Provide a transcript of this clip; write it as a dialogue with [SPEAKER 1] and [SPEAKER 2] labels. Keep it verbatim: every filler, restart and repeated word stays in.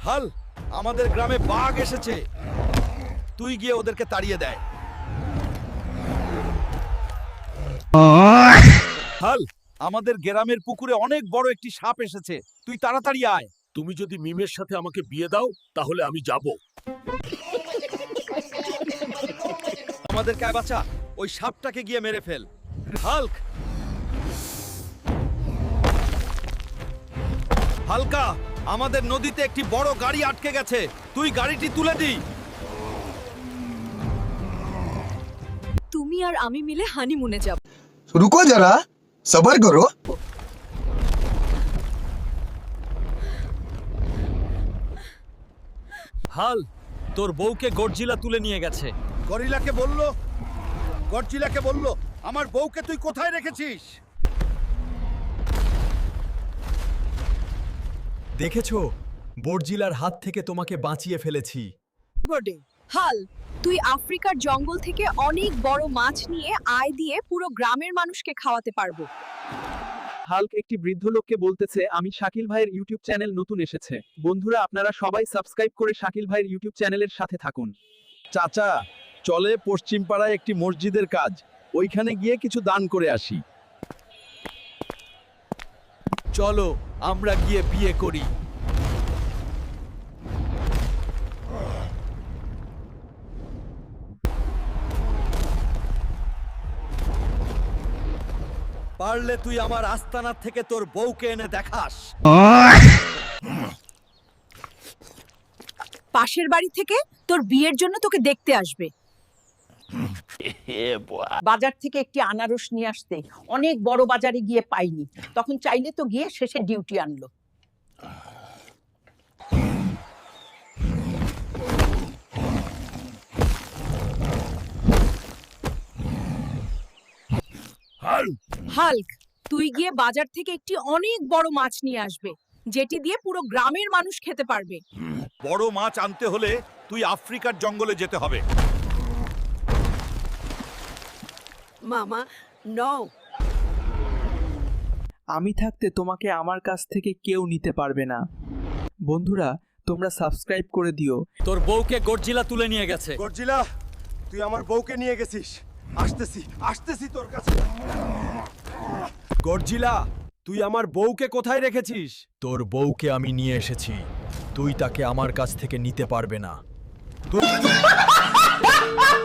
[SPEAKER 1] হাল, আমাদের গ্রামে বাঘ এসেছে। তুই গিয়ে ওদেরকে তাড়িয়ে দেয়। হাল, আমাদের গ্রামের পুকুরে অনেক বড় একটি সাপ এসেছে। তুই তাড়াতাড়ি আয়।
[SPEAKER 2] তুমি যদি মিমের সাথে আমাকে বিয়ে দাও তাহলে আমি যাব।
[SPEAKER 1] আমাদের কায় বাঁচা, ওই সাপটাকে গিয়ে মেরে ফেল। হাল্ক, হালকা, আমাদের নদীতে একটি বড় গাড়ি আটকে গেছে। তুই গাড়িটি তুলে দি।
[SPEAKER 3] তুমি আর আমি মিলে হানিমুনে যাব।
[SPEAKER 4] रुको जरा सबर करो।
[SPEAKER 1] হাল, তোর বউকে গডজিলা তুলে নিয়ে গেছে। গরিলাকে বলল, গডজিলাকে বলল, আমার বউকে তুই কোথায় রেখেছিস?
[SPEAKER 5] দেখেছো, বর্জিলার হাত থেকে তোমাকে বাঁচিয়ে ফেলেছি।
[SPEAKER 3] বডে হাল, তুই আফ্রিকার জঙ্গল থেকে অনেক বড় মাছ নিয়ে আয় দিয়ে পুরো গ্রামের মানুষকে খাওয়াতে পারবো।
[SPEAKER 6] হাল্ক একটি বৃদ্ধ লোককে বলতেছে, আমি শাকিল ভাইয়ের ইউটিউব চ্যানেল নতুন এসেছে। বন্ধুরা আপনারা সবাই সাবস্ক্রাইব করে শাকিল ভাইয়ের ইউটিউব চ্যানেলের সাথে থাকুন।
[SPEAKER 1] চাচা, চলে পশ্চিম পাড়ায় একটি মসজিদের কাজ, ওইখানে গিয়ে কিছু দান করে আসি। চলো আমরা গিয়ে বিয়ে করি। পারলে তুই আমার আস্তানা থেকে তোর বউকে এনে দেখাস।
[SPEAKER 3] পাশের বাড়ি থেকে তোর বিয়ের জন্য তোকে দেখতে আসবে।
[SPEAKER 7] বাজার থেকে একটি আনারস নিয়ে আসতে অনেক বড় বাজারে গিয়ে পাইনি, তখন চাইলে তো গিয়ে শেষে ডিউটি আনলো।
[SPEAKER 3] হাল্ক, তুই গিয়ে বাজার থেকে একটি অনেক বড় মাছ নিয়ে আসবে, যেটি দিয়ে পুরো গ্রামের মানুষ খেতে পারবে।
[SPEAKER 1] বড় মাছ আনতে হলে তুই আফ্রিকার জঙ্গলে যেতে হবে।
[SPEAKER 7] মামা নও,
[SPEAKER 6] আমি থাকতে তোমাকে আমার কাছ থেকে কেউ নিতে পারবে না। বন্ধুরা তোমরা সাবস্ক্রাইব করে দিও।
[SPEAKER 1] তোর বউকে গডজিলা তুলে নিয়ে গেছে।
[SPEAKER 8] গডজিলা, তুই আমার বউকে নিয়ে গেছিস। আসতেছি আসতেছি তোর কাছে।
[SPEAKER 1] গডজিলা, তুই আমার বউকে কোথায় রেখেছিস?
[SPEAKER 5] তোর বউকে আমি নিয়ে এসেছি, তুই তাকে আমার কাছ থেকে নিতে পারবে না।